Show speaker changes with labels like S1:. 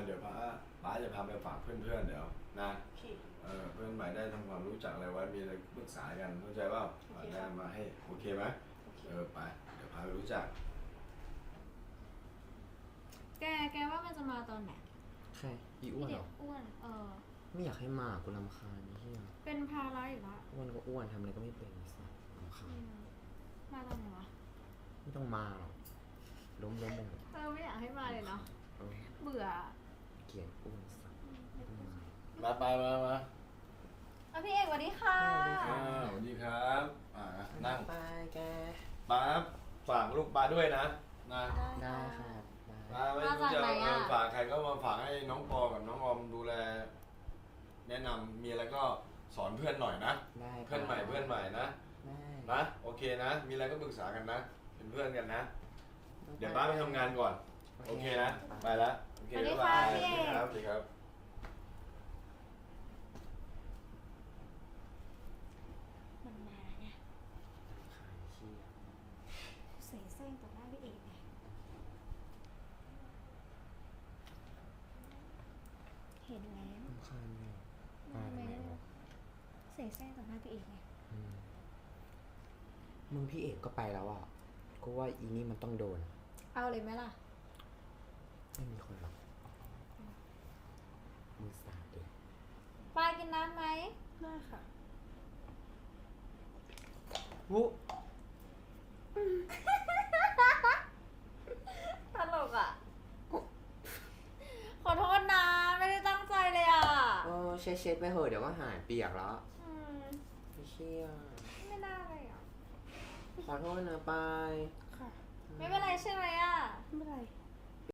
S1: เดี๋ยวป้าจะพาไปฝากเพื่อนๆเดี๋ยวนะ
S2: โอเค
S1: เพื่อนใหม่ได้ทำความรู้จักอะไรไว้มีอะไรปรึกษากันเข้าใจว่าได้มาให้โอเคไหมไปเดี๋ยวพาไปรู้จัก
S3: แกว่ามันจะมาตอนไหน
S4: ใครอีอ้วนเหรอ
S3: อ้วน
S4: ไม่อยากให้มากูรำคาญนี่เฮีย
S3: เป็นภาระอยู่ละ
S4: อ้วนก็อ้วนทำอะไรก็ไม่เป็นสัสรำคาญ
S3: มาตอนไหนวะ
S4: ไม่ต้องมาหรอกล้มลง
S3: ไม่อยากให้มาเลยเนาะเบื่อ
S4: เกลียดอ้วนสัส
S1: มา
S3: พี่เอกสวัสดีค่ะ
S1: สวัสดีครับนั่ง
S4: ไปแก
S1: ป้าฝากลูกป้าด้วยนะ
S4: ได้ค่ะ
S1: ป้าไม่รู้จะฝากใครก็มาฝากให้น้องปอกับน้องออมดูแลแนะนำมีอะไรก็สอนเพื่อนหน่อยนะเพื่อนใหม่นะโอเคนะมีอะไรก็ปรึกษากันนะเป็นเพื่อนกันนะเดี๋ยวป้าไปทำงานก่อนโอเคนะไปแล้วโอเคบ๊ายบายครับสวัสดีครับ
S3: มันมาไงเสแสร้งต่อหน้าพี่เอกไงเห็นแล้ว
S4: รำคาญเลย
S3: เสแสร้งต่อหน้าพี่เอกไง
S4: มึงพี่เอกก็ไปแล้วอ่ะก็ว่าอีนี่มันต้องโดน
S3: เอาเลยไหมล่ะ
S4: ไม่มีคนหรอกมือสาดเลย
S3: ปลากินน้ำไหม
S2: ได้ค่ะ
S4: วุ
S3: ตลกอ่ะขอโทษนะไม่ได้ตั้งใจเลยอ่ะ
S4: เช็ดไปเหอะเดี๋ยวก็หายเปียกแล้วไม่เชี่ย
S3: ไม่น่าเลยอ่ะ
S4: ขอโทษนะปาย
S3: ค่ะไม่เป็นไรใช่ไหมอ่ะ
S2: ไม่เป็นไร